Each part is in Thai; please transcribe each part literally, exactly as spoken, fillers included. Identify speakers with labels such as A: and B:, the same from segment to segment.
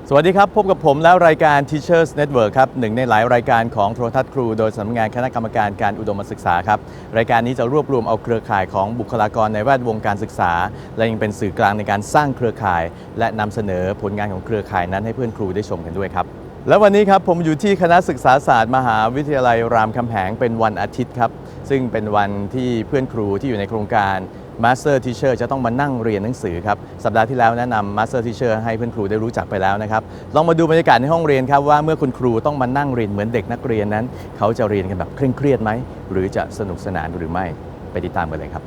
A: สวัสดีครับพบกับผมแล้วรายการ Teachers Network ครับหนึ่งในหลายรายการของโทรทัศน์ครูโดยสำนักงานคณะกรรมการการอุดมศึกษาครับรายการนี้จะรวบรวมเอาเครือข่ายของบุคลากรในแวดวงการศึกษาและยังเป็นสื่อกลางในการสร้างเครือข่ายและนำเสนอผลงานของเครือข่ายนั้นให้เพื่อนครูได้ชมกันด้วยครับและวันนี้ครับผมอยู่ที่คณะศึกษาศาสตร์มหาวิทยาลัยรามคำแหงเป็นวันอาทิตย์ครับซึ่งเป็นวันที่เพื่อนครูที่อยู่ในโครงการ Master Teacher จะต้องมานั่งเรียนหนังสือครับสัปดาห์ที่แล้วแนะนำ Master Teacher ให้เพื่อนครูได้รู้จักไปแล้วนะครับลองมาดูบรรยากาศในห้องเรียนครับว่าเมื่อคุณครูต้องมานั่งเรียนเหมือนเด็กนักเรียนนั้นเขาจะเรียนกันแบบเคร่งเครียดไหมหรือจะสนุกสนานหรือไม่ไปติดตามกันเลยครับ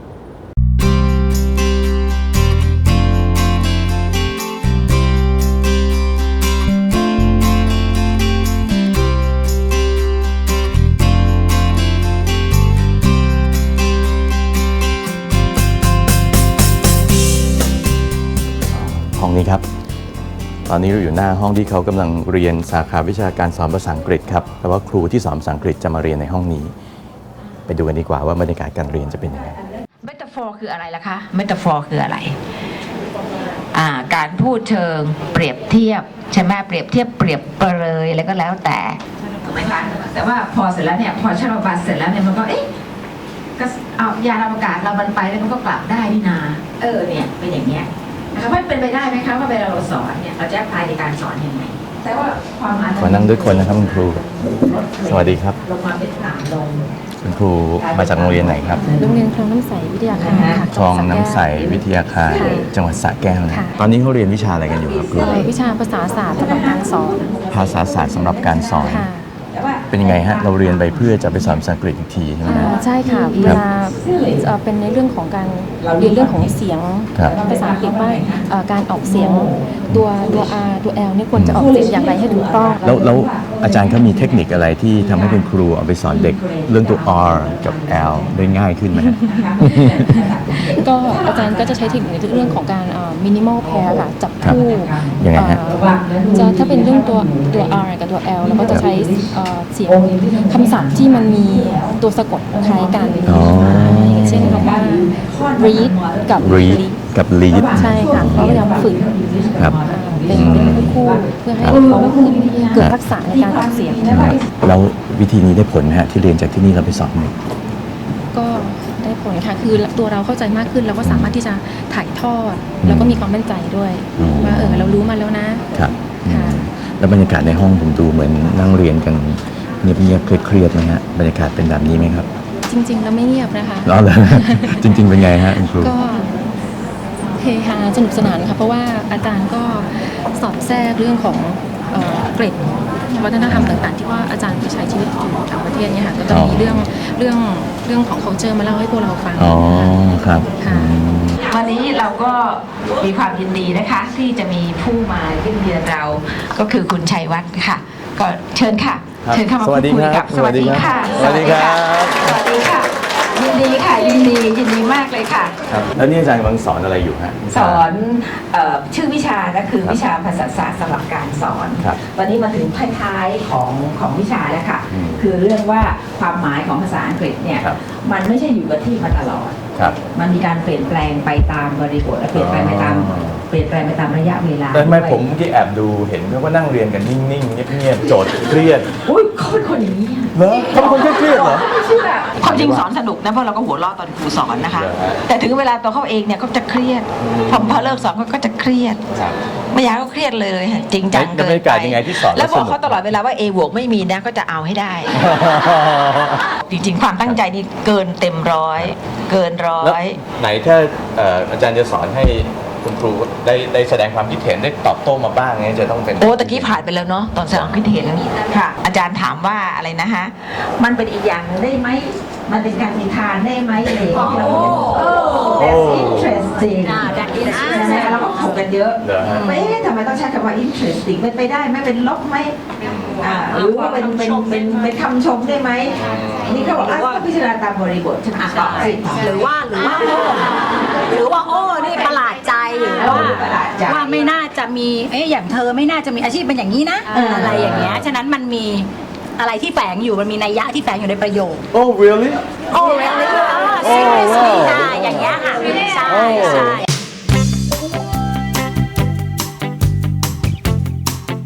A: ห้องนี้ครับตอนนี้เราอยู่หน้าห้องที่เขากำลังเรียนสาขาวิชาการสอนภาษาอังกฤษครับแต่ว่าครูที่สอนภาษาอังกฤษจะมาเรียนในห้องนี้ไปดูกันดีกว่าว่าบรรยากาศการเรียนจะเป็นยังไง
B: เมตาฟอร์คืออะไรล่ะคะเมตาฟอร์คืออะไรอ่าการพูดเชิงเปรียบเทียบใช่ไหมเปรียบเทียบเปรียบเปรยอะไรก็แล้วแต่ถูกไหมคะแต่ว่าพอเสร็จแล้วเนี่ยพอชาลบัสเสร็จแล้วเนี่ยมันก็เอ๊ะก็เอายานอวกาศเรามันไปแล้วมันก็กลับได้นี่นาเออเนี่ยเป็นอย่างเงี้ยนะคะว่าเป็นไปได้ไหมคะว่าเวลาเราสอนเนี่ยเราจะแอพพลายในการสอนยังไงแต่ว่าความหมาย
A: ขอนั่งด้วยคนนะครับคุณครูสวัสดีครับ
B: ลงมาเป็นต่ำลง
A: คุณครูมาจากโรงเรียนไหนครับ
C: โรงเรียนคลองน้ำใสวิทยาคารค่ะ
A: คลองน้ำใสวิทยาคารจังหวัดสระแก้วนะตอนนี้เขาเรียนวิชาอะไรกันอยู่ครับครู
C: วิชาภาษาศาสตร์สำหรับการสอน
A: ภาษาศาสตร์สำหรับการสอน
C: ค่ะ
A: เป็นยังไงฮะเราเรียนไปเพื่อจะไปสอนภาษาอังกฤษอีกทีใช่ไหม
C: อ่า
A: ฮะ
C: ใช่ค่ะเวลาเอ่อเป็นในเรื่องของการเรียนเรื่องของเสียง
A: ครับ
C: ภาษาอังกฤษว่าเอ่อการออกเสียงตัวตัว R ตัว L นี่ควรจะออกเสียงอย่างไรให้ถูกต้อง
A: แล้วแล้วอาจารย์เขามีเทคนิคอะไรที่ทำให้คุณครูเอาไปสอนเด็กเรื่องตัว R กับ L ได้ง่ายขึ้นไหมฮะ
C: ก็อาจารย์ก็จะใช้เทคนิคในเรื่องของการมินิมอลแพร์ค่ะจับคู่
A: ยังไงฮะ
C: เอ่อจะถ้าเป็นเรื่องตัวตัว R กับตัว L เราก็จะใช้เอ่อเสียงคำศัพท์ที่มันมีตัวสะกดคล้ายกัน
A: อ๋อ
C: อย่างเช่นคำว่า read กับ
A: read กับ lead
C: ใช่ค่ะเขาพยายามฝึก
A: ครับ
C: เป็นเป็นคู่ๆเพื่อให้เขาเกิดทักษะในการออกเสียง
A: ครับแล้ววิธีนี้ได้ผลไหมฮะที่เรียนจากที่นี่เราไปสอนเด็ก
C: ก็ได้ผลค่ะคือตัวเราเข้าใจมากขึ้นเราก็สามารถที่จะถ่ายทอดแล้วก็มีความมั่นใจด้วย
A: อืม
C: ว่าเออเรารู้มาแล้วนะครับ ค่ะ
A: แล้วบรรยากาศในห้องผมดูเหมือนนั่งเรียนกันเงียบๆเครียดๆไหมฮะบรรยากาศเป็นแบบนี้ไหมครับ
C: จริงๆแล้วไม่เงียบนะคะ
A: อ๋อเหรอ จริงๆเป็นไงฮะคุณครู
C: ก็เฮฮาสนุกสนานค่ะเพราะว่าอาจารย์ก็สอดแทรกเรื่องของเอ่อเกร็ดวัฒนธรรมต่างๆที่ว่าอาจารย์ไปใช้ชีวิตอยู่ต่างประเทศเนี่ยค่ะก็จะมีเรื่องเรื่องเรื่องของ culture มาเล่าให้พวกเราฟัง
A: อ๋อครับ
C: ค่ะ
A: อืม
B: วันนี้เราก็มีความยินดีนะคะที่จะมีผู้มาเยี่ยมเยียนเราก็คือคุณชัยวัฒน์ค่ะ ก็เชิญค่ะ
A: ครับ
B: เชิญเข้ามา
A: สวัสดี
B: พูดคุย
A: ครั
B: กับ สวัสดีค่ะ
A: สวัสดีครับ
B: สวัสดีค่ะยินดีค่ะยินดียินดีมากเลยค่ะ
A: ครับแล้วนี่อาจารย์กำลังสอนอะไรอยู่ฮะ
B: สอนเอ่อชื่อวิชาก็คือ
A: ครับ
B: วิชาภาษาศาสตร์สำหรับการสอน
A: ครับ
B: วันนี้มาถึงท้ายๆของของวิชาแล้วค่ะ
A: อืม
B: คือเรื่องว่าความหมายของภาษาอังกฤษเนี่ย
A: ครับ
B: มันไม่ใช่อยู่กับที่มาตลอด
A: ครับ
B: มันมีการเปลี่ยนแปลงไปตามบริบทและเปลี่ยนแปลงไปตาม
A: อ๋อ
B: เปลี่ยนแปลงไปตามระยะเวลา
A: แต่ทำไม
B: ด้วย
A: ผมเมื่อกี้แอบดูเห็นเขาก็นั่งเรียนกันนิ่งๆเงียบๆโจทย์เครียด
B: อุ้ยเขาเป็นคนอย่างนี้อะ
A: เหรอเขาเป็นคนเครียดๆเหรอ
B: ไม่เชื่อความจริงสอนสนุกนะเพราะเราก็หัวเราะตอนครูสอนนะคะ
A: เหรอฮะ
B: แต่ถึงเวลาตัวเขาเองเนี่ยเขาจะเครียด
A: อืม
B: พอพอเลิกสอนเขาก็จะเครียด
A: ครับ
B: ไม่อยากให้เขาเครียดเลยค่ะจริงจัง
A: แล้ว
B: เกิน
A: บรรยากาศยังไงที่สอนแล้ว
B: แล้วบอก
A: สนุก
B: เขาตลอดเวลาว่า A บวกไม่มีนะก็จะเอาให้ได้ จริงๆ ความตั้งใจนี่เกินเต็มร้อย เกินร้อ
A: แล้ว
B: ย
A: ไหนถ้าเอ่ออาจารย์จะสอนให้คุณครูได้ได้แสดงความคิดเห็นได้ตอบโต้มาบ้างเนี่ยจะต้องเป็น
B: โอ้ตะกี้ผ่านไปแล้วเนาะตอนแสดงความคิดเห็นค่ะ อาจารย์ถามว่าอะไรนะฮะ มันเป็นอีกอย่างหนึ่งได้ไหม มันเป็นการนิทานได้ไหมอะไรอย่างเงี้ยเราโอ้ that's interesting
D: อ่า that is
B: ใช่ไหมเราก็ถกกันเยอะ
A: เหรอฮะ
B: ไม่ทำไมต้องใช้คำว่า interesting เป็นไปได้ไหมเป็นลบไหมอ่าหรือว่าเป็นเป็นเป็นเป็นคำชมได้ไหมนี่เขาบอกอ่ะก็พิจารณาตามบริบทใช่ไหมอ่ะต่อสิ
D: หรือว่าหรือว่าโอ้หรือว่าโอ้นี่ประหลาดใจหรือว่า
B: ประหลาดใจ
D: ว่าไม่น่าจะมีเอ๊ะอย่างเธอไม่น่าจะมีอาชีพเป็นอย่างนี้นะ
B: เอออ
D: อะไรอย่างเงี้ยฉะนั้นมันมีอะไรที่แฝงอยู่มันมีนัยยะที่แฝงอยู่ในประโยค
A: โอ้ really
D: โอ้เรลลี่
A: โอ้
D: seriously
A: ว้าว
D: อ่ะอย่างเงี้ยค่ะใช่
A: โอ้
D: ใช่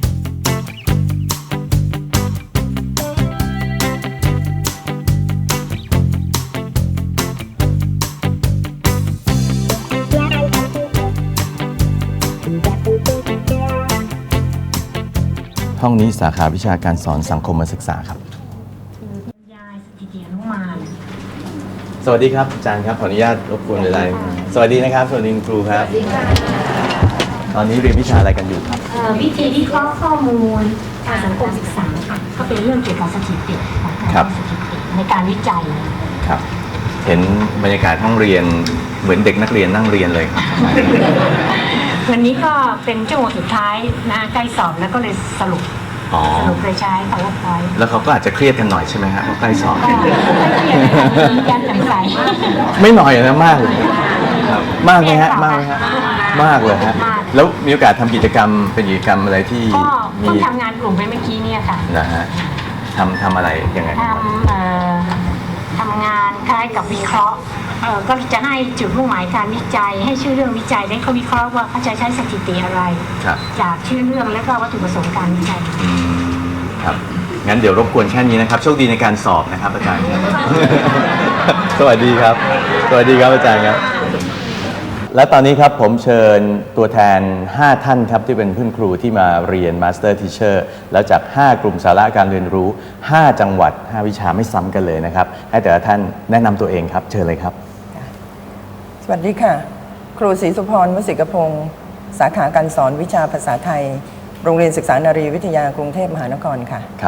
A: ห้องนี้สาขาวิชาการสอนสังคมศึกษาครับ
D: ยายสถิติอนุมาน
A: สวัสดีครับอาจารย์ครับขออนุญาตรบกวนเวลาสวัสดีนะครับสวัสดีคุณครูครับตอนนี้เรียนวิชาอะไรกันอยู่ครับ
D: เอ่อวิธีวิเคราะห์ข้อมูลการสังคมศึกษาค่ะก็เป็นเรื่องเกี่ยวกับสถิติของการ
A: ครับ
D: สถิติในการวิจัย
A: ครับ เห็นบรรยากาศห้องเรียนเหมือนเด็กนักเรียนนั่งเรียนเลยครับ
D: วันนี้ก็เป็นชั่วโมงสุดท้ายนะใกล้สอบแล้วก็เลยสรุป
A: อ๋อ
D: สรุปเลยใช้ PowerPoint
A: แล้วเขาก็อาจจะเครียดกันหน่อยใช่ไหมฮะเพราะใกล้สอบ
D: ก็ไม่เครียดนะคะมีการจำใส
A: ไม่หน่อยนะมากเลยครับมากไหมฮะมากไหมฮะมากเลยฮะแล้วมีโอกาสทำกิจกรรมเป็นกิจกรรมอะไรที่
D: ก็
A: มี
D: เพิ่งทำงานกลุ่มไปเมื่อกี้เนี่ยค่ะ
A: นะฮะทำทำอะไรยังไง
D: ทำเอ่อทำงานคล้ายกับวิเคราะห์เอ่อก็จะให้จุดมุ่งหมายการวิจัย ให้ชื่อเรื่องวิจัยได้เขาวิเคราะห์ว่าเขาจะใช้สถิติอะไร
A: ครับ
D: จากชื่อเรื่องและก็วัตถุประสงค์การวิจัย
A: อืมครับงั้นเดี๋ยวรบกวนแค่นี้นะครับโชคดีในการสอบนะครับอาจารย์ครับ สวัสดีครับ สวัสดีครับอาจารย์ครับ และตอนนี้ครับผมเชิญตัวแทน ห้า ท่านครับที่เป็นเพื่อนครูที่มาเรียน Master Teacher แล้วจาก ห้า กลุ่มสาระการเรียนรู้ ห้า จังหวัด ห้า วิชาไม่ซ้ำกันเลยนะครับให้แต่ละท่านแนะนำตัวเองครับเชิญเลยครับ
E: สวัสดีค่ะ ครูศรีสุพร วสิกพงศ์สาขาการสอนวิชาภาษาไทย โรงเรียนศึกษานารีวิทยากรุงเทพมหานครค่ะ
A: ครับ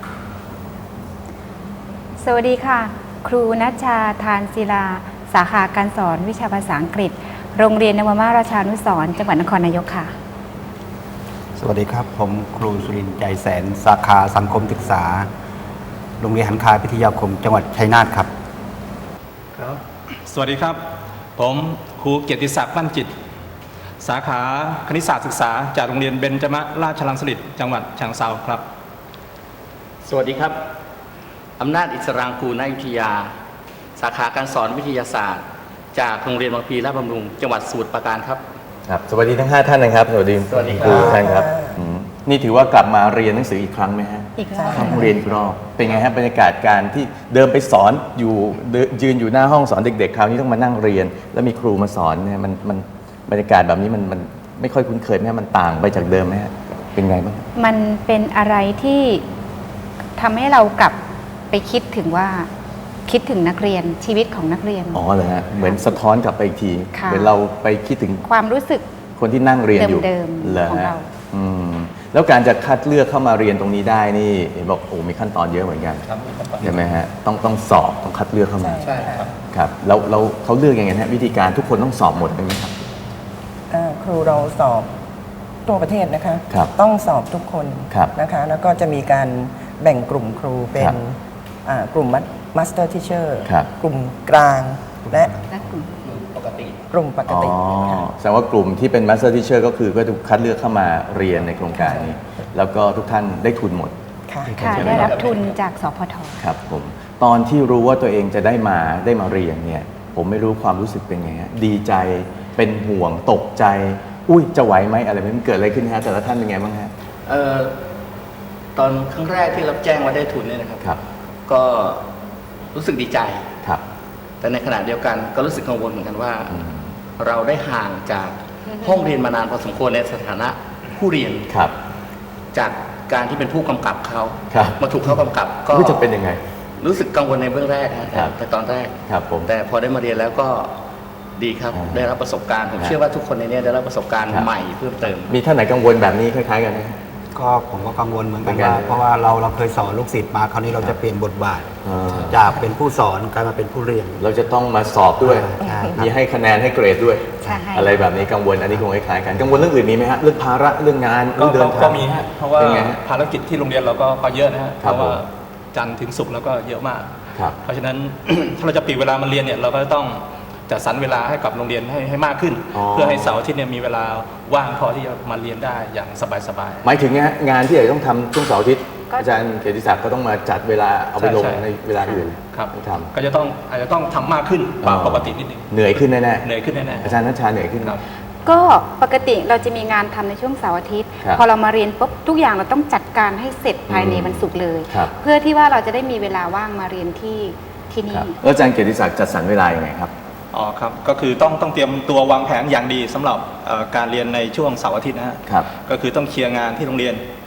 F: สวัสดีค่ะ ครูนัชชาทานศิลา สาขาการสอนวิชาภาษาอังกฤษ โรงเรียนนวมาราชานุสรณ์จังหวัดนครนายกค่ะ
G: สวัสดีครับ ผมครูสุรินทร์ใจแสน สาขาสังคมศึกษา โรงเรียนหันคาพิทยาคม จังหวัดชัยนาทครับ
H: ครับ สวัสดีครับ ผมครูเกียรติศักดิ์มั่นจิต สาขาคณิตศาสตร์ศึกษาจากโรงเรียนเบญจมราชรังสฤษฎ์จังหวัดฉะเชิงเทราครับ
I: สวัสดีครับ อำนาจอิสรางกูลนายุทธยา สาขาการสอนวิทยาศาสตร์ จากโรงเรียนบางพลีราชบำรุง จังหวัดสมุทรปราการครับ
A: ครับสวัสดีทั้ง ห้า ท่านนะครับ สวัสดี
I: สวัสดีครับ
A: ครูทุกท่านครับอืมนี่ถือว่ากลับมาเรียนหนังสืออีกครั้งไหมฮะ
F: อีกแล้ว
A: เข้าห้องเรียนอีกรอบเป็นไงฮะบรรยากาศการที่เดินไปสอนอยู่เดินยืนอยู่หน้าห้องสอนเด็กๆคราวนี้ต้องมานั่งเรียน แล้วมีครูมาสอนเนี่ยมันมันบรรยากาศแบบนี้มันมันไม่ค่อยคุ้นเคยไหมฮะมันต่างไปจากเดิมไหมฮะเป็นไงบ้าง
F: มันเป็นอะไรที่ทำให้เรากลับไปคิดถึงว่าคิดถึงนักเรียนชีวิตของนักเรียน
A: อ๋อเหรอฮะเหมือนสะท้อนกลับไปอีกที
F: ค่ะ
A: เหมือนเราไปคิดถึง
F: ความรู้สึก
A: คนที่นั่งเรียนอยู่
F: เดิมๆ
A: เหรอ
F: ของ
A: ฮะ
F: เรา
A: อืมแล้วการจะคัดเลือกเข้ามาเรียนตรงนี้ได้นี่เห็นบอกโอ้มีขั้นตอนเยอะเหมือนกันใช่ไหมฮะต้องต้องสอบต้องคัดเลือกเข้ามา
E: ใช่ครับ
A: ครับแล้วเราเขาเลือกยังไงฮะวิธีการทุกคนต้องสอบหมดไหมครับ
E: อ่าครูเราสอบทั่วประเทศนะคะ
A: ครับ
E: ต้องสอบทุกคน
A: ครับ
E: นะคะ แล้วก็จะมีการแบ่งกลุ่มครูเป็
A: ครั
E: น
A: บ
E: อ่ากลุ่มมาสเตอร์ทิเชอร์
A: ครับ
E: กลุ่มกลางและ
F: และกลุ่ม
E: กลุ่มปก
A: อ๋อ
E: ติค่ะ
A: แสดงว่ากลุ่มที่เป็น Master Teacher ก็คือก็ถูกคัดเลือกเข้ามาเรียนในโครงการนี้ แล้วก็ทุกท่านได้ทุนหมด
E: ค่ะ
F: ค่ะ
A: ใช่ไหม
F: ได้
A: ครั
F: รับ บทุนจากสพท
A: ครับผมตอนที่รู้ว่าตัวเองจะได้มาได้มาเรียนเนี่ยผมไม่รู้ความรู้สึกเป็นไงฮะดีใจเป็นห่วงตกใจ อุ้ยจะไหวไหมอะไรมันเกิดอะไรขึ้นฮะแต่ละท่านเป็นไงบ้างฮะ
I: เอ่อตอนครั้งแรกที่รับแจ้งว่าได้ทุนเนี่ยนะครับ
A: ครับ
I: ก็รู้สึกดีใจ
A: ครับ
I: แต่ในขณะเดียวกันก็รู้สึกกังวลเหมือนกันว่า
A: อืม
I: เราได้ห่างจากห้องเรียนมานานพอสมควรในสถานะผู้เรียน
A: ครับ
I: จากการที่เป็นผู้กำกับเขา
A: ครับ
I: มาถูกเขากำกับก็
A: ก็จะเป็นยังไง
I: รู้สึกกังวลในเบื้องแรกนะ
A: ครั
I: แต่
A: บ
I: แต่ตอนแรก
A: ครับผม
I: แต่พอได้มาเรียนแล้วก็ดีครับ
A: อ่า
I: ได้รับประสบการณ์ ผม
A: ครับ
I: เชื่อว่าทุกคนในเนี้ได้รับประสบการณ์
A: ครับ
I: ใหม่เพิ่มเติม
A: มีท่านไหนกังวลแบบนี้คล้ายๆกันไหม
G: ก็ผมก็กังวลเหมือนกัน
A: เหมือนกัน
G: ว่าเพราะว่าเราเราเคยสอนลูกศิษย์มาคราวนี้เราจะเปลี่ยนบทบาท
A: อ่า
G: จากเป็นผู้สอนกลายมาเป็นผู้เรียน
A: เราจะต้องมาสอบด้วย
G: ใช่ครับ
A: มีให้คะแนนให้เกรดด้วย
F: ใช่
A: อะไรแบบนี้กังวลอันนี้คงคล้ายๆกันกังวลเรื่องอื่นมีไหมฮะเรื่องภาระเรื่องงาน
H: ก็
A: เรื่องเดินทาง
H: ก็มีฮะ เพราะว่า
A: เป็นไงฮะ
H: ภารกิจที่โรงเรียนเราก็ก็เยอะนะฮะ
A: ค
H: เพ
A: รับ
H: ราะว่า
A: ผม
H: จันทร์ถึงศุกร์แล้วก็เยอะมาก
A: ครับ
H: เพราะฉะนั้น ถ้าเราจะปลีกเวลามาเรียนเนี่ยเราก็ต้องจัดสรรเวลาให้กับโรงเรียนให้ให้มากขึ้น
A: อ๋อ
H: เพื่อให้เสาร์อาทิตย์เนี่ยมีเวลาว่างพอที่จะมาเรียนได้อย่างสบาย
A: หมายถึงงานงานที่อาจจะต้องทำช่วงเสาร์อาทิตย์
F: ก็
A: อาจารย์เกียรติศักดิ์ก็ต้องมาจัดเวลาเอาไปลง
H: ใช่ใช่
A: ในเวลาอื่น
H: ๆครับ
A: ต้องท
H: ก็จะต้องอาจจะต้องทำมากขึ้นกว่าปกตินิดนึง
A: ำเหนื่อยขึ้นแน่
H: เหนื่อยขึ้นแน่
A: ๆอาจารย์นัชชาเหนื่อยขึ้น
H: ๆครับ
F: ก็ปกติเราจะมีงานทำในช่วงเสาร์อาทิตย์
A: ครับ
F: พอเรามาเรียนปุ๊บทุกอย่างเราต้องจัดการให้เสร็จภายใน
A: อืม
F: วันศุกร์เลย
A: ครับ
F: เพื่อที่ว่าเราจะได้มีเวลาว่างมาเรียนที่ที่
A: ค
F: นี่
A: รับแล้วอาจารย์เกียรติศักดิ์จัดสรรเวลายังไงครับ
H: อ๋อครับ ก็คือต้องต้องเตรียมตัววางแผนอย่างดีสำหรับเอ่อการเรียนในช่วงเสาร์อาทิตย์นะฮะ
A: ครับ
H: ก็คือต้องเคลียร์งานที่โรงเรียน
A: อืม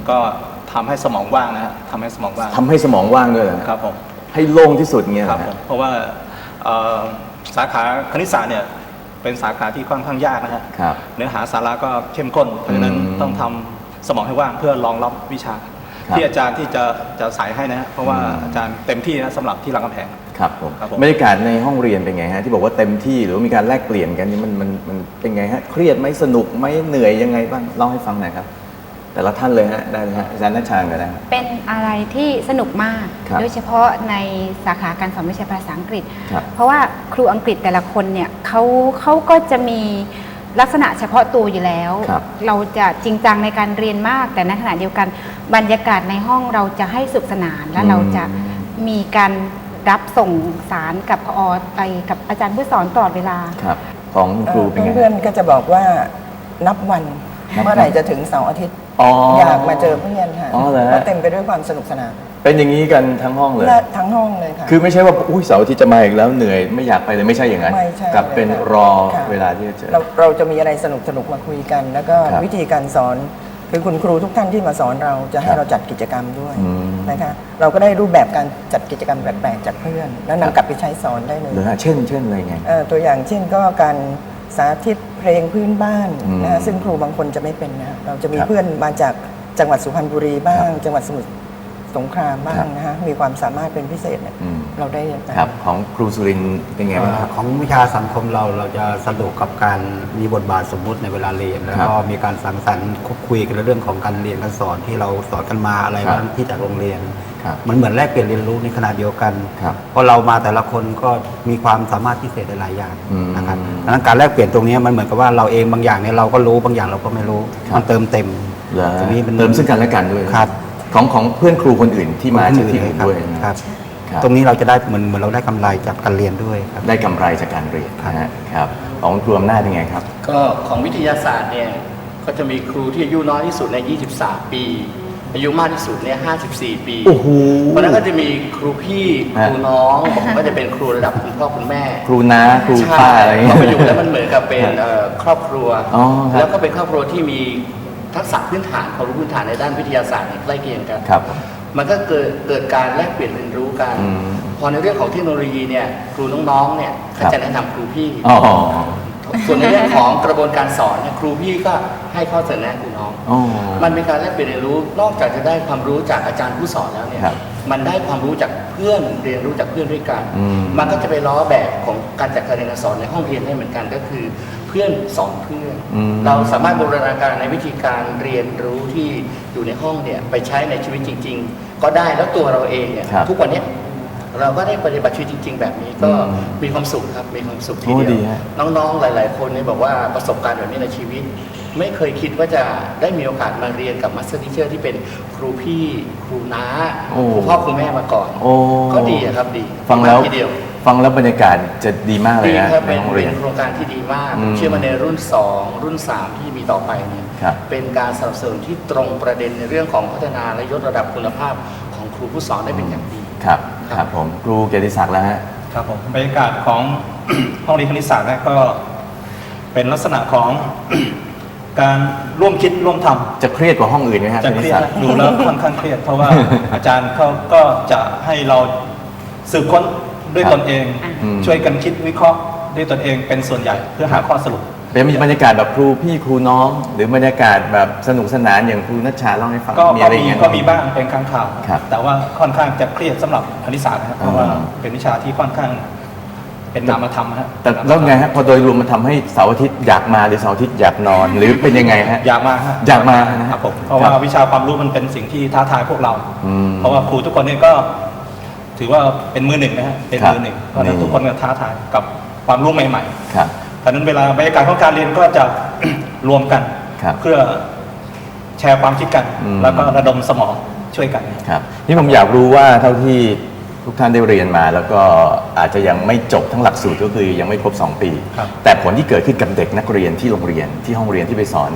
H: ก็ทำให้สมองว่างนะฮะทำให้สมองว่าง
A: ทำให้สมองว่างด้วยเหรอ
H: ครับผม
A: ให้โล่งที่สุดเงี้ย
H: ครับผมเพราะว่าเอ่อสาขาคณิตศาสตร์เนี่ยเป็นสาขาที่ค่อนข้างยากนะฮะ
A: ครับ
H: เนื้อหาสาระก็เข้มข้นเพราะฉะนั้น
A: อืม
H: ต้องทำสมองให้ว่างเพื่อรองรับวิชา
A: ครับ
H: ที่อาจารย์ที่จะจะสายให้นะฮะเพราะว่า
A: อืม
H: อาจารย์เต็มที่นะสำหรับที่รามคำแหง
A: ครับผม
H: ครับผม
A: บรรยากาศในห้องเรียนเป็นไงฮะที่บอกว่าเต็มที่หรือว่ามีการแลกเปลี่ยนกันนี่มันมันมันเป็นไงฮะเครียดไหมสนุกไหมเหนื่อยยังไงบ้างเล่าให้ฟังหน่อยครับ แต่ละท่านเลยฮะได้เลยฮะอาจารย์นัชชาก็ได้ครับ
F: เป็นอะไรที่สนุกมาก
A: ครับ
F: โดยเฉพาะในสาขาการสอนวิชาภาษาอังกฤษ
A: ครับ
F: เพราะว่าครูอังกฤษแต่ละคนเนี่ยเขาเขาก็จะมีลักษณะเฉพาะตัวอยู่แล้ว
A: ครับ
F: เราจะจริงจังในการเรียนมาก แต่ในขณะเดียวกันบรรยากาศในห้องเราจะให้สุขสนาน และเราจะมีการรับส่งสารกับพอไปกับอาจารย์ผู้สอนตลอดเวลา
A: ครับของคุณครูเป็นไง
E: เพื่อน
A: ฮะ
E: ๆก็จะบอกว่านับวัน
A: นับวัน
E: เมื่อไหร่จะถึงเสาร์อาทิตย์
A: อ๋อ
E: อยากมาเจอเพื่อนค่ะ
A: อ๋อเหรอฮะ
E: เพราะเต็มไปด้วยความสนุกสนาน
A: เป็นอย่างนี้กันทั้งห้องเลย
E: และทั้งห้องเลยค่ะ
A: คือไม่ใช่ว่าอุ้ยเสาร์อาทิตย์จะมาอีกแล้วเหนื่อยไม่อยากไปเลยไม่ใช่อย่างนั้น
E: ไม่ใช่
A: กลับเป็น
E: เลยค่ะ
A: รอ
E: ค่ะ
A: เวลาที่จะเจอ
E: เราเราจะมีอะไรสนุกสนุกๆมาคุยกัน แล้วก็
A: ครับ
E: วิธีการสอนคือคุณครูทุกท่านที่มาสอนเราจะให้
A: ครับ
E: เราจัดกิจกรรมด้วย
A: อืม
E: นะคะเราก็ได้รูปแบบการจัดกิจกรรมแปลกๆจากเพื่อน แล้ว
A: ครับ
E: นำกลับไปใช้สอนได้เลย
A: หรือฮะเช่นเช่นอะไรไง
E: เอ่อตัวอย่างเช่นก็การสาธิตเพลงพื้นบ้าน
A: อืม
E: นะฮะซึ่งครูบางคนจะไม่เป็นนะเราจะมี
A: ครับ
E: เพื่อนมาจากจังหวัดสุพรรณบุรีบ้าง
A: ครับ
E: จังหวัดสมุทรสงครามบ้า
A: ครั
E: ง
A: บ
E: นะฮะมีความสามารถเป็นพิเศษเนี่ย
A: อืม
E: เราได้เรียนไป
A: ครับของครูสุรินทร์เป็นไงบ้างครับ
G: ของวิชาสังคมเราเราจะสนุกกับการมีบทบาทสมมุติในเวลาเรียน แล้วก็มีการสังสรรค์คุยกันเรื่องของการเรียนการสอนที่เราสอนกันมาอะไร
A: ครับ
G: บ้างที่จากโรงเรียน
A: ครับ
G: มันเหมือนแลกเปลี่ยนเรียนรู้ในขณะเดียวกัน
A: ครับ
G: เพราะเรามาแต่ละคนก็มีความสามารถพิเศษหลายๆอย่าง
A: อืม
G: นะครับดังนั้นการแลกเปลี่ยนตรงนี้มันเหมือนกับว่าเราเองบางอย่างเนี่ยเราก็รู้บางอย่างเราก็ไม่รู้
A: ครับ
G: มันเติมเต็ม
A: เหรอ
G: ตรงนี้เป็น
A: เติมซึ่งกันและกันด้วย
G: ครับ
A: ของของเพื่อนครูคนอื่นที่มา
G: คน
A: จาก
G: อื่น
A: ที่อื่น
G: ครับ
A: ด้วย
G: ครับ
A: ครับ
G: ตรงนี้เราจะได้เหมือนเหมือนเราได้กำไรจากการเรียนด้วยครับ
A: ได้กำไรจากการเรียน
G: ครับ
A: นะฮะครับของครูอำนาจเป็นไงครับ
I: ก็ของวิทยาศาสตร์เนี่ยก็จะมีครูที่อายุน้อยที่สุดใน ยี่สิบสาม ปี อายุมากที่สุดเนี่ย ห้าสิบสี่ ปี
A: โอ้โห
I: เพราะฉะนั้นก็จะมีครูพี่ค
A: ฮะ
I: รูน้องผมก็จะเป็นครูระดับคุณพ่อคุณแม่
A: ครูน้าครูป้าอะไรอย่าง
I: พ
A: เงี้
I: อย มาอยู่แล้วมันเหมือนกับเป็น
A: ฮะ
I: เอ่อครอบครัว
A: อ๋อครับ
I: แล้วก็เป็นครอบครัวที่มีทักษะพื้นฐานความรู้พื้นฐานในด้านวิทยาศาสตร์เนี่ยใกล้เคียงกัน
A: ครับ
I: มันก็เกิดเกิดการแลกเปลี่ยนเรียนรู้กัน
A: อืม
I: พอในเรื่องของเทคโนโลยีเนี่ยครูน้องๆเนี่ย
A: ครั
I: ก็
A: บ
I: จะแนะนำครูพี่
A: อ๋อ
I: ส่วนในเรื่องของกระบวนการสอนเนี่ยครูพี่ก็ให้ข้อเสนอแนะครูน้อง
A: อ๋อ
I: มันเป็นการแลกเปลี่ยนเรียนรู้ นอกจากจะได้ความรู้จากอาจารย์ผู้สอนแล้วเนี่ย
A: ครับ
I: มันได้ความรู้จากเพื่อนเรียนรู้จากเพื่อนด้วยกัน
A: อืม
I: มันก็จะไปล้อแบบของการจัดการเรียนการสอนในห้องเรียนได้เหมือนกันก็คือเพื่อนสอนเพื่อน
A: อืม
I: เราสามารถบูรณาการในวิธีการเรียนรู้ที่อยู่ในห้องเนี่ยไปใช้ในชีวิตจริง ๆ ก็ได้แล้วตัวเราเองเนี่ย
A: ครับ
I: ทุกวันเนี้ยเราก็ได้ปฏิบัติชีวิตจริง ๆ แบบนี้ก็
A: อืม
I: มีความสุขครับมีความสุขที
A: โอ้
I: เดี
A: ดี
I: ยว
A: ฮะ
I: น้องๆ หลายๆ คนเนี่ยบอกว่าประสบการณ์แบบนี้ในชีวิต ไม่เคยคิดว่าจะได้มีโอกาสมาเรียนกับมาสเตอร์ทีเชอร์ที่เป็นครูพี่ครูน้า
A: โอ้
I: ครูพ่อครูแม่มาก่อน
A: โอ้
I: ก็ดีอะครับดี
A: ฟังแล้ว
I: มากทีเดียว
A: ฟังแล้วบรรยากาศจะดีมากเลย
I: ดี
A: นะครับ ใน
I: เป็น
A: ห้องเรียน
I: เป็นโครงการที่ดีมาก
A: อืม
I: เชื่อมาในรุ่นสองรุ่นสามที่มีต่อไปเนี่ย
A: ครับ
I: เป็นการสนับสนุนที่ตรงประเด็นในเรื่องของพัฒนาและยกระดับคุณภาพของครูผู้สอนได้เป็นอย่างดี
A: ครับครับผมครูเกียรติศักดิ์แล้วฮะ
H: ครับผมบรรยากาศของ ห้องเรียนคณิตศาสตร์เนี่ยก็เป็นลักษณะของ การร่วมคิดร่วมทำ
A: จะเครียดกว่าห้องอื่นไหมฮะ
H: จะ
A: ค
H: เค
A: ณิต
H: รียด
A: ศาสต
H: นะ
A: ร์
H: ดูแล้วค่อนข้างเครียด เพราะว่า อาจารย์เขาก็จะให้เราสืบค้นด้วย
A: ครับ
H: ตนเอง
A: อืม
H: ช่วยกันคิดวิเคราะห์ด้วยตนเองเป็นส่วนใหญ่เพื่อหาข้อสรุป
A: เป็นมีบรรยากาศแบบครูพี่ครูน้อง หรือบรรยากาศแบบสนุกสนานอย่างครูนัชชาเล่าให้ฟัง
H: ก็
A: มี
H: ก็
A: อะไรอย่า
H: มี
A: งเงี้ย
H: ก็มีบ้างเป็นครั้งคราว
A: ครับ
H: แต่ว่าค่อนข้างจะเครียดสำหรับคณิตศาสตร์นะครับเพราะว่า
A: อ่า
H: เป็นวิชาที่ค่อนข้างเป็นนามธรรมฮะ
A: แต่แล้วไงฮะพอโดยรวมมันทำให้เสาร์อาทิตย์อยากมาหรือเสาร์อาทิตย์อยากนอน หรือเป็นยังไงฮะ
H: อยากมาฮะ
A: อยากมานะ
H: ค
A: ฮะ
H: รับผมเพราะว่าวิชาความรู้มันเป็นสิ่งที่ท้าทายพวกเรา
A: อืม
H: เพราะว่าครูทุกคนเนี่ยก็ ถือว่าเป็นมือหนึ่งนะฮะเป็นมือหนึ่งเพราะฉะนั้น
A: นี่
H: ทุกคนก็ท้าทายกับความรู้ใหม่
A: ครับ
H: ๆเพราะฉะนั้นเวลาบรรยากาศของการเรียนก็จะ รวมกัน
A: ครับ
H: เพื่อแชร์ความคิดกัน
A: อืม
H: แล้วก็ระดมสมองช่วยกัน
A: ครับนี่ผมอยากรู้ว่าเท่าที่ทุกท่านได้เรียนมา แล้วก็อาจจะยังไม่จบทั้งหลักสูตรก็คือยังไม่ครบสองปี
H: ครับ
A: แต่ผลที่เกิดขึ้นกับเด็กนักเรียนที่โรงเรียนที่ห้องเรียนที่ไปสอนเนี่ย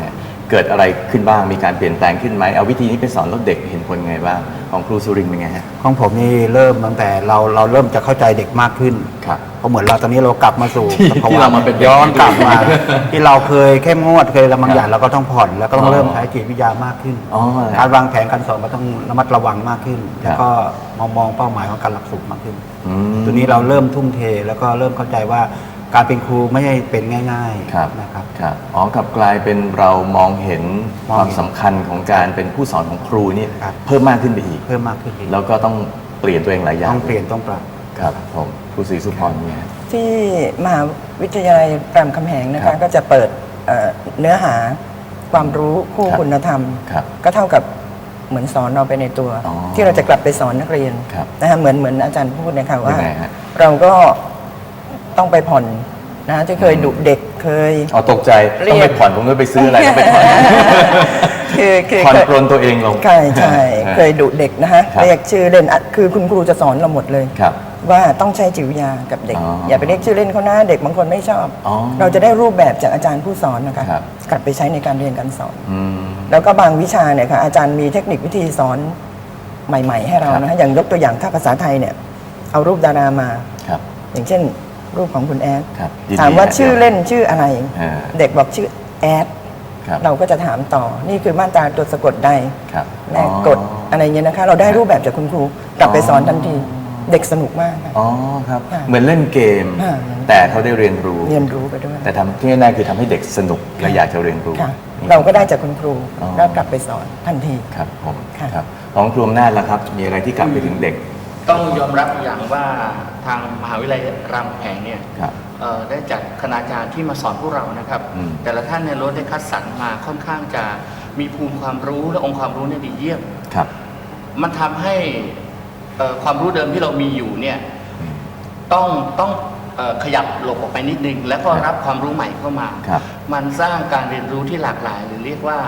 A: เกิดอะไรขึ้นบ้างมีการเปลี่ยนแปลงขึ้นไหมเอาวิธีนี้ไปสอนแล้วเด็กเห็นผลไงบ้างของครูสุรินทร์เป็นไงฮะ
G: ของผมนี่เริ่มตั้งแต่เราเราเริ่มจะเข้าใจเด็กมากขึ้น
A: ครับ
G: เพราะเหมือนเราตอนนี้เรากลับมาสู่
A: ที่
G: สภวะ
A: ที่เรามาเป็นเด็ก
G: ย้อนกลับมา
A: อีกที
G: ที่เราเคยเข้มงวดเคยระบางอย่าง
A: ครับ
G: เราก็ต้องผ่อนแล้วก็ต้อ
A: อ๋
G: ง
A: อ
G: เริ่มใช้จิตวิทยามากขึ้น
A: อ๋อ
G: การวางแผนการสอนก็ต้องระมัดระวังมากขึ้น
A: ครับ
G: แล้วก็มองมองเป้าหมายของการหลักสูตรมากขึ้น
A: อืม
G: ตัวนี้เราเริ่มทุ่มเทแล้วก็เริ่มเข้าใจว่าการเป็นครูไม่ใช่เป็นง่าย
A: ครับ
G: ๆนะครับ
A: ครับอ๋อกลับกลายเป็นเรามองเห็น
G: มอง
A: ความ
G: เห็น
A: สำคัญของการเป็นผู้สอนของครูนี่
G: ครับ
A: เพิ่มมากขึ้นไปอีก
G: เพิ่มมากขึ้นอีก
A: แล้วก็ต้องเปลี่ยนตัวเองหลายอย่าง
G: ต้องเปลี่ยนต้องปรับ
A: ครับผมครูศรีสุพรเนี่ย
E: ที่มหาวิทยาลัยรามคำแหงนะ
A: ครั
E: คะ
A: บ
E: ก็จะเปิดเอ่อเนื้อหาความรู้คู่
A: ครับ
E: คุณธรรม
A: ครับ
E: ก็เท่ากับเหมือนสอนเราไปในตัว
A: อ๋อ
E: ที่เราจะกลับไปสอนนักเรียน
A: ครับ
E: นะคะเหมือนเหมือนอาจารย์พูดนะคะว่า
A: ยังไงฮะ
E: เราก็ต้องไปผ่อนนะที่เคยดุเด็กเคย
A: อ๋อตกใจ
E: เรียก
A: ต้องไปผ่อนผมก็ไปซื้ออะไรต้องไปผ่อน
E: คือคือ
A: ผ่อน
E: เคย
A: ปรนตัวเองลง
E: ใช่ใช่
A: ฮะ
E: เคยดุเด็กนะฮะ
A: ครับ
E: เรียกชื่อเล่นอ่ะคือคุณครูจะสอนเราหมดเลย
A: ครับ
E: ว่าต้องใช้จิตวิทยากับเด็ก
A: อ๋ออ
E: อย่าไปเรียกชื่อเล่นเขานะเด็กบางคนไม่ชอบ
A: อ๋อ
E: เราจะได้รูปแบบจากอาจารย์ผู้สอนนะคะ
A: ครับ
E: กลับไปใช้ในการเรียนการสอน
A: อืม
E: แล้วก็บางวิชาเนี่ยค่ะอาจารย์มีเทคนิควิธีสอนใหม่ ๆ ให้เรา
A: ครับ
E: นะฮะอย่างยกตัวอย่างถ้าภาษาไทยเนี่ยเอารูปดารามา
A: ครับ
E: อย่างเช่น รูปของคุณแอด
A: ครับยินดี
E: ถามว่า
A: ฮะ
E: ชื่อเล่นชื่ออะไร
A: อ่า
E: เด็กบอกชื่อแอด
A: ครับ
E: เราก็จะถามต่อนี่คือมาตราตัวสะกดใด
A: ครับ
E: แม่กดอะไรเงี้ยนะคะ เราได้รูปแบบจากคุณครูกลับไปสอนทันทีเด็กสนุกมากค่ะ
A: อ๋อครับ
E: ค่ะ
A: เหมือนเล่นเกม
E: ค่ะ
A: แต่เขาได้เรียนรู้
E: เรียนรู้ไปด้วย
A: แต่ทำที่แน่ๆคือทำให้เด็กสนุกและอยากจะเรียนรู้
E: ค่ะ
A: นี่
E: เราก็ได้จากคุณครู
A: อ๋อ
E: แล้วกลับไปสอนทันที
A: ครับผม
E: ค่ะ
A: ครับของครูอำนาจล่ะครับ มีอะไรที่กลับไปถึงเด็ก
I: ต้องยอมรับอย่างว่าทางมหาวิทยาลัยรามคำแหงเนี่ย
A: ครับ
I: เอ่อได้จัดคณาจารย์ที่มาสอนพวกเรานะครับ
A: อืม
I: แต่ละท่านเนี่ยล้วนได้คัดสรรมาค่อนข้างจะมีภูมิความรู้และองค์ความรู้เนี่ยดีเยี่ยม
A: ครับ
I: มันทำให้เอ่อความรู้เดิมที่เรามีอยู่เนี่ยต้องต้องเอ่อขยับหลบออกไปนิดนึง แล้วก็รับความรู้ใหม่เข้ามา
A: ครับ
I: มันสร้างการเรียนรู้ที่หลากหลาย หรือเรียกว่า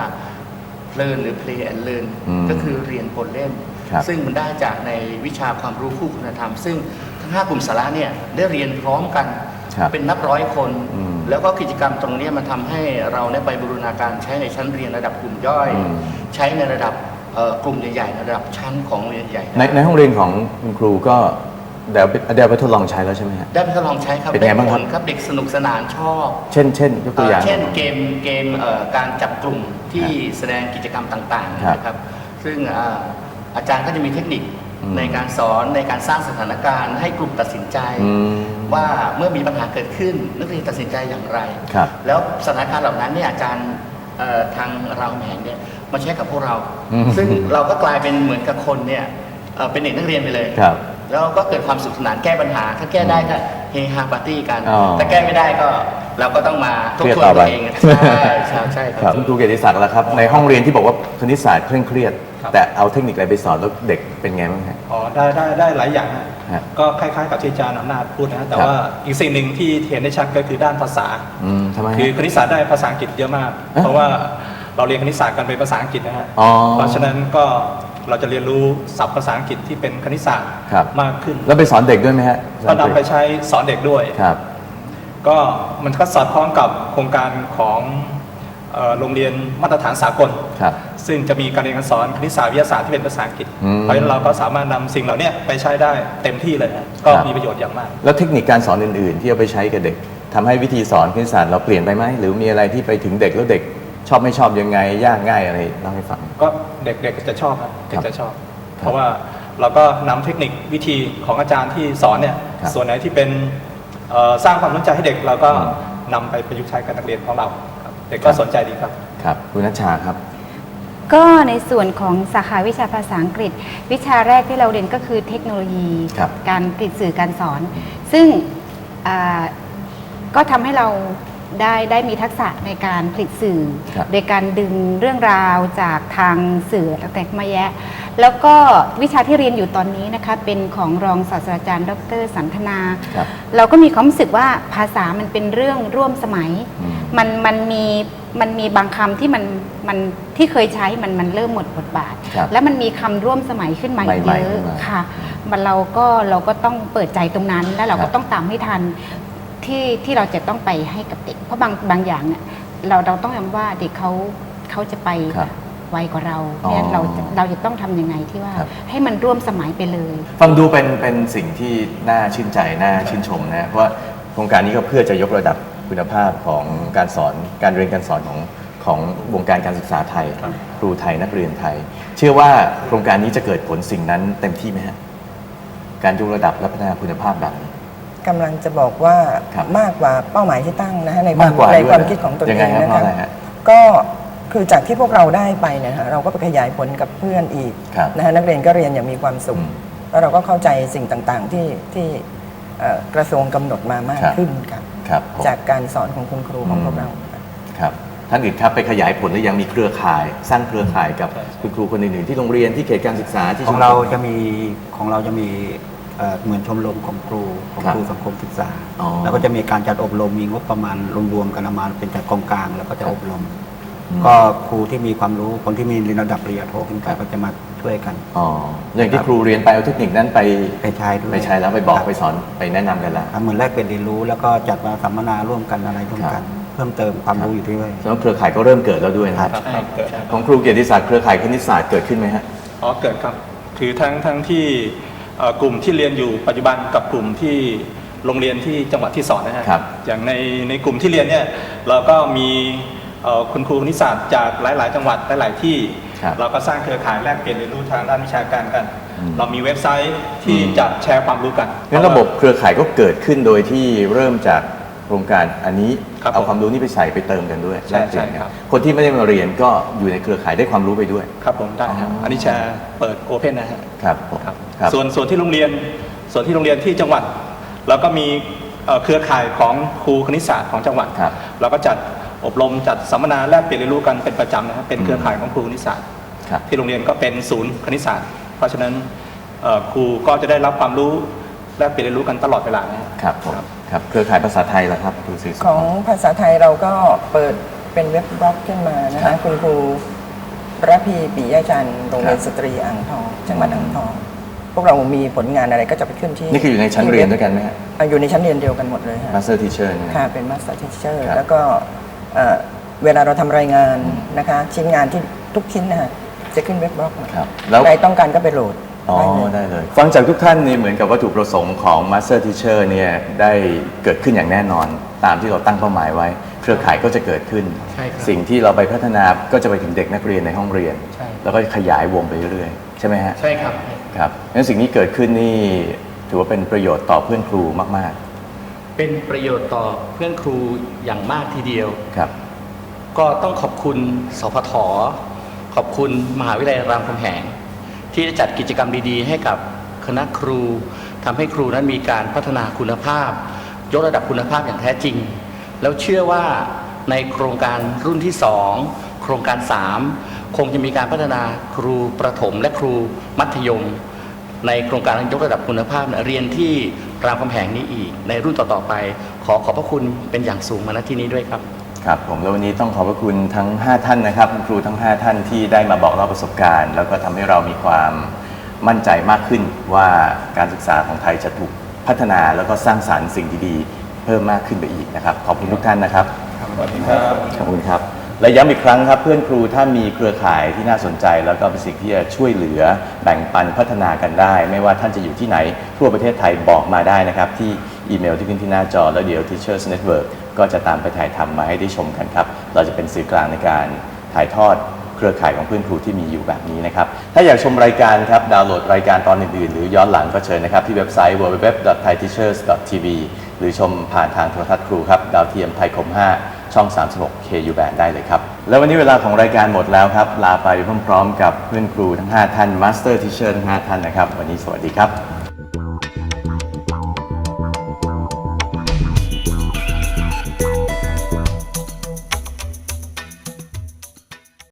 I: learn หรือ play and learn
A: อืม
I: ก็คือเรียนปนเล่น
A: ครับ
I: ซึ่งมันได้จากในวิชาความรู้คู่คุณธรรม ซึ่งทั้งห้ากลุ่มสาระเนี่ยได้เรียนพร้อมกัน
A: ครับ
I: เป็นนับร้อยคน
A: อืม
I: แล้วก็กิจกรรมตรงเนี้ยมันทำให้เราได้ไปบูรณาการใช้ในชั้นเรียนระดับกลุ่มย่อย
A: อืม
I: ใช้ในระดับเอ่อกลุ่มใหญ่ๆในระดับชั้นของโรงเรียนใหญ่
A: ในในห้องเรียนของคุณครูก็เดี๋ยวเดี๋ยวไปทดลองใช้แล้วใช่ไหมฮะ
I: ได้ไปทดลองใช้ครับ
A: เป็นไงบ้างครับ
I: ด้ผลครับเด็กสนุกสนานชอบ
A: เช่นเช่นยกตัวอย่าง
I: เอ่อเช่นเกมเกมเอ่อการจับกลุ่มที่แสดงกิจกรรมต่าง
A: ครับ
I: ๆนะครับซึ่งอ่าอาจารย์ก็จะมีเทคนิค
A: อืม
I: ในการสอนในการสร้างสถานการณ์ให้กลุ่มตัดสินใจ
A: อืม
I: ว่าเมื่อมีปัญหาเกิดขึ้นนักเรียนตัดสินใจอย่างไร
A: ครับ
I: แล้วสถานการณ์เหล่านั้นเนี่ยอาจารย์เอ่อทางเราแหงเนี่ยมาใช้กับพวกเรา
A: อืม
I: ซึ่งเราก็กลายเป็นเหมือนกับคนเนี่ยเอ่อเป็นเด็กนักเรียนไปเลย
A: ครับ
I: แล้วก็เกิดความสนุขสนานแก้ปัญหา ถ้าแก้ได้ก็เฮฮาปาร์ตี้กัน
A: อ๋อ
I: ถ้าแก้ไม่ได้ก็เราก็ต้องมาทบ
A: เครียด
I: ทวน
A: ต่อไป
I: ตัวเองใช่ใช่ใช่ค
A: ครั
I: รั
A: บบ คุณครูเกียรติศักดิ์ล่ะครับ ในห้องเรียนที่บอกว่าคณิตศาสตร์เคร่งเครียด
H: ครับ
A: แต่เอาเทคนิคอะไรไปสอนแล้วเด็กเป็นไงบ้างฮะ
H: อ๋อได้ได้ได้หลายอย่างฮะ
A: ฮะ
H: ก็คล้ายๆกับที่อาจารย์อำนาจพูดนะฮะแต่
A: ครับ
H: ว่าอีกสิ่งหนึ่งที่เห็นได้ชัดก็คือด้านภาษา
A: อืมทำไมฮะ
H: คือคณิตศาสตร์ได้ภาษาอังกฤษเยอะมาก
A: เอ๊ะ
H: เพราะว่าเราเรียนคณิตศาสตร์กันเป็นภาษาอังกฤษนะฮะ
A: อ๋อ
H: เพราะฉะนั้นก็เราจะเรียนรู้ศัพท์ภาษาอังกฤษที่เป็นคณิตศาสตร์
A: ครับ
H: มากขึ้น
A: แล้วไปสอนเด็กด้วยไหมฮะ
H: ก็นำไปใช้สอนเด็กด้วย
A: ครับ
H: ก็มันก็สอดคล้องกับโครงการของเอ่อโรงเรียนมาตรฐานสากล
A: ครับ
H: ซึ่งจะมีการเรียนการสอนคณิตศาสตร์วิทยาศาสตร์ที่เป็นภาษาอังกฤษ
A: อืม
H: เพราะฉะนั้นเราก็สามารถนำสิ่งเหล่านี้ไปใช้ได้เต็มที่เลยนะก็
A: ครับ
H: มีประโยชน์อย่างมาก
A: แล้วเทคนิคการสอนอื่นๆ ที่เอาไปใช้กับเด็กทำให้วิธีสอนคณิตศาสตร์เราเปลี่ยนไปไหมหรือมีอะไรที่ไปถึงเด็กแล้วเด็กชอบไม่ชอบยังไงยากง่ายอะไรเล่าให้ฟัง
H: ก็เด็กๆจะชอบครับเด็
A: ครั
H: ก
A: บ
H: จะชอบ
A: ครับ
H: เพราะว่าเราก็นำเทคนิควิธีของอาจารย์ที่สอนเนี่ย
A: ครับ
H: ส่วนไหนที่เป็นเอ่อสร้างความสนใจให้เด็กเราก็
A: อืม
H: นำไปประยุกต์ใช้กับนักเรียนของเราครับเด็กก็
A: ครับ
H: สนใจดีครับ
A: ครับคุณนัชชาครับ
F: ก็ในส่วนของสาขาวิชาภาษาอังกฤษ วิชาแรกที่เราเรียนก็คือเทคโนโลยี
A: ครับ
F: การผลิตสื่อการสอน ซึ่งอ่าก็ทำให้เราได้ได้มีทักษะในการผลิตสื่อ
A: ครับ
F: โดยการดึงเรื่องราวจากทางสื่อต่างๆมาแยะ แล้วก็วิชาที่เรียนอยู่ตอนนี้นะคะเป็นของรองศาสตราจารย์ดรสันทนา
A: ครับ
F: เราก็มีความรู้สึกว่าภาษามันเป็นเรื่องร่วมสมัย
A: อืม
F: มันมันมีมันมีบางคำที่มันมันที่เคยใช้มันมันเริ่มหมดบทบาท
A: ครับ
F: แล้วมันมีคำร่วมสมัยขึ้นมาอีก
A: ใหม่
F: เย
A: ๆ
F: อะ
A: ขึ้นมา
F: ค่ะมันเราก็เราก็ต้องเปิดใจตรงนั้น แล้วเรา
A: ครั
F: ก็
A: บ
F: ต้องตามให้ทันที่ที่เราจะต้องไปให้กับเด็ก เพราะบางบางอย่างเนี่ยเราเราต้องยอมว่าเด็กเขาเขาจะไป
A: ครับ
F: ไวกว่าเรา
A: อ๋อ
F: เนี่ยเราจะเราจะต้องทำยังไงที่ว่า
A: ครับ
F: ให้มันร่วมสมัยไปเลย
A: ฟังดูเป็นเป็นสิ่งที่น่าชื่นใจน่าชื่นชมนะเพราะว่าโครงการนี้ก็เพื่อจะยกระดับคุณภาพของการสอนการเรียนการสอนของของวงการการศึกษาไทย ครูไทยนักเรียนไทย เชื่อว่าโครงการนี้จะเกิดผลสิ่งนั้นเต็มที่ไหมฮะการยกระดับและพัฒนาคุณภาพแบบนี้
E: กำลังจะบอกว่า
A: ครับ
E: มากกว่าเป้าหมายที่ตั้งนะฮะในความ
A: ากกว่า
E: ใน
A: ด้วย
E: ความคิดของตัวเอ
A: ยังไง
E: ง
A: ฮะ
E: นะ
A: เพราะอะไร
E: คะ
A: ฮะ
E: ก็คือจากที่พวกเราได้ไปเนี่ยฮะเราก็ไปขยายผลกับเพื่อนอีก
A: ครับ
E: นะฮะนักเรียนก็เรียนอย่างมีความสุข
A: อืม
E: แล้วเราก็เข้าใจสิ่งต่างๆที่ที่เอ่อกระทรวงกำหนดมามาก
A: ครับ
E: ขึ้นค่ะ
A: ครับผม
E: จากการสอนของคุณครูของพวกเราค่ะ
A: ครับท่านอื่นครับไปขยายผลหรือยังมีเครือข่าย สร้างเครือข่ายกับคุณครูคนอื่นๆที่โรงเรียนที่เขตการศึกษาที่
G: ของเราจะมีของเราจะมีเอ่อเหมือนชมรมของครูของ
A: ครับ
G: ครูสังคมศึกษา
A: อ๋อ
G: แล้วก็จะมีการจัดอบรมมีงบประมาณรวมๆกันมาเป็นจากกองกลางแล้วก็จะอบรม
A: อืม
G: ก็ครูที่มีความรู้คนที่มีระดับปริญญาโทขึ้นไปก็จะมาช่วยกัน
A: อ๋ออย่างที่ครูเรียนไปเอาเทคนิคนั้นไป
G: ไปใช้ด้วย
A: ไปใช้แล้วไปบอก
G: ครับ
A: ไปสอนไปแนะนำกันแล้ว
G: เหมือนแลกเปลี่ยนเรียนรู้แล้วก็จัดมาสัมมนาร่วมกันอะไรร่วมกัน เพิ่มเติมความรู้อยู่ด้วย
A: แล้วเครือข่ายก็เริ่มเกิดแล้วด้วยนะครับ
H: ครับเกิด
A: ของครูเกียรติศักดิ์เครือข่ายคณิตศาสตร์เกิดขึ้นไหมฮะ
H: อ๋อเกิดครับคือทั้งทั้งที่เอ่อกลุ่มที่เรียนอยู่ปัจจุบันกับกลุ่มที่โรงเรียนที่จังหวัดที่สอนนะฮะ
A: ครับ
H: อย่างในในกลุ่มที่เรียนเนี่ยเราก็มีเอ่อคุณครูคณิตศาสตร์จากหลาย ๆ จังหวัดหลาย ๆ ที่
A: ครับ
H: เราก็สร้างเครือข่ายแลกเปลี่ยนเรียนรู้ทางด้านวิชาการกัน
A: อืม
H: เรามีเว็บไซต์ที่
A: อืม
H: จะแชร์ความรู้กัน
A: งั้นระบบเครือข่ายก็เกิดขึ้นโดยที่เริ่มจากโครงการอันนี้
H: ครับ
A: เอา
H: ผม
A: ความรู้นี้ไปใส่ไปเติมกันด้วย
H: ใช่
A: แลกเปลี่ยน
H: ใช่
A: กัน
H: ครับ
A: คนที่ไม่ได้มาเรียนก็อยู่ในเครือข่ายได้ความรู้ไปด้วย
H: ครับผมได้ครับ
A: อ๋ออั
H: อันนี้แชร์เปิดโอเพนนะฮะ
A: ครับผม
H: ครับ
A: ครับ
H: ส่วนส่วนที่โรงเรียนส่วนที่โรงเรียนที่จังหวัดเราก็มีเอ่อเครือข่ายของครูคณิตศาสตร์ของจังหวัด
A: ครับ
H: เราก็จัดอบรมจัดสัมมนาแลกเปลี่ยนเรียนรู้กันเป็นประจำนะครับเป็นเครือข่ายของครูคณิตศาสตร์
A: ครับ
H: ที่โรงเรียนก็เป็นศูนย์คณิตศาสตร์ เพราะฉะนั้นเอ่อครูก็จะได้รับความรู้แลกเปลี่ยนเรียนรู้กันตลอดเวลานะครับ
A: ครับผมครับเครือข่ายภาษาไทยล่ะครับครูศรีสุ
E: ของภาษาไทยเราก็เปิดเป็นเว็บบล็อกขึ้นมานะ
A: ครั
E: คะ
A: บ
E: คุณครูระพีปิยจันทร์โรงเรียน
A: ครับ
E: สตรีอ่างทองจังหวัดอ่างทอง พวกเรามีผลงานอะไรก็จะไปขึ้นที่
A: นี่คืออยู่ในชั้นเรียนด้วยกันไหมฮะ
E: อ่ะอยู่ในชั้นเรียนเดียวกันหมดเลยค่ะ
A: Master Teacher เนี่ย
E: ค่ะเป็น Master Teacher
A: ครับ
E: แล้วก็เอ่อเวลาเราทำรายงาน
A: อืม
E: นะคะชิ้นงานที่ทุกชิ้นนะฮะจะขึ้นเว็บบล็อกหมด
A: ครับแล้ว
E: ใครต้องการก็ไปโหลด
A: อ๋อ
E: ได้เลย
A: ได้เลย ฟังจากทุกท่านนี่เหมือนกับวัตถุประสงค์ของ Master Teacher เนี่ยได้เกิดขึ้นอย่างแน่นอน ตามที่เราตั้งเป้าหมายไว้ เครือข่ายก็จะเกิดขึ้น
I: ใช่ครับ
A: สิ่งที่เราไปพัฒนาก็จะไปถึงเด็กนักเรียนในห้องเรียน
I: ใช่
A: แล้วก็ขยายวงไปเรื่อยๆ ใช่ไหมฮะ
I: ใช่ครับ
A: ครับงั้นสิ่งนี้เกิดขึ้นนี่ถือว่าเป็นประโยชน์ต่อเพื่อนครูมาก
I: เป็นประโยชน์ต่อเพื่อนครูอย่างมากทีเดียว
A: ๆ ครับ
I: ก็ต้องขอบคุณสพทขอบคุณมหาวิทยาลัยรามคำแหง ที่ได้จัดกิจกรรมดีๆ ให้กับคณะครูทำให้ครูนั้นมีการพัฒนาคุณภาพ ยกระดับคุณภาพอย่างแท้จริง แล้วเชื่อว่าในโครงการรุ่นที่สองโครงการสามคงจะมีการพัฒนาครูประถมและครูมัธยม ในโครงการยกระดับคุณภาพเนี่ยเรียนที่รามคำแหงนี้อีก ในรุ่นต่อๆไป ขอขอบพระคุณเป็นอย่างสูงมาณที่นี้ด้วยครับ
A: ครับผมแล้ววันนี้ต้องขอบพระคุณทั้ง ห้า ท่านนะครับคุณครูทั้ง ห้า ท่านที่ได้มาบอกเล่าประสบการณ์ แล้วก็ทำให้เรามีความมั่นใจมากขึ้นว่าการศึกษาของไทยจะถูกพัฒนาแล้วก็สร้างสรรค์สิ่งดีๆเพิ่มมากขึ้นไปอีกนะครับขอบคุณทุกท่านนะครับสวัสดีครับขอบคุณครับและย้ำอีกครั้งครับเพื่อนครูถ้ามีเครือข่ายที่น่าสนใจแล้วก็เป็นสิ่งที่จะช่วยเหลือแบ่งปันพัฒนากันได้ ไม่ว่าท่านจะอยู่ที่ไหนทั่วประเทศไทยบอกมาได้นะครับที่อีเมลที่ขึ้นที่หน้าจอแล้วเดี๋ยว Teachers Network ก็จะตามไปถ่ายทำมาให้ได้ชมกันครับเราจะเป็นสื่อกลางในการถ่ายทอดเครือข่ายของเพื่อนครูที่มีอยู่แบบนี้นะครับถ้าอยากชมรายการครับดาวน์โหลดรายการตอนอื่นๆหรือย้อนหลังก็เชิญนะครับที่เว็บไซต์ ดับเบิลยู ดับเบิลยู ดับเบิลยู ดอท ไทย ทีเชอร์ส ดอท ที วี หรือชมผ่านทางโทรทัศน์ครูครับดาวเทียมไทยคม ห้า ช่อง สามสิบหก เค ยู Band ได้เลยครับแล้ววันนี้เวลาของรายการหมดแล้วครับลาไปพร้อมๆกับเพื่อนครูทั้ง ห้า ท่าน Master Teacher ทั้ง ห้า ท่านนะครับวันนี้สวัสดีครับ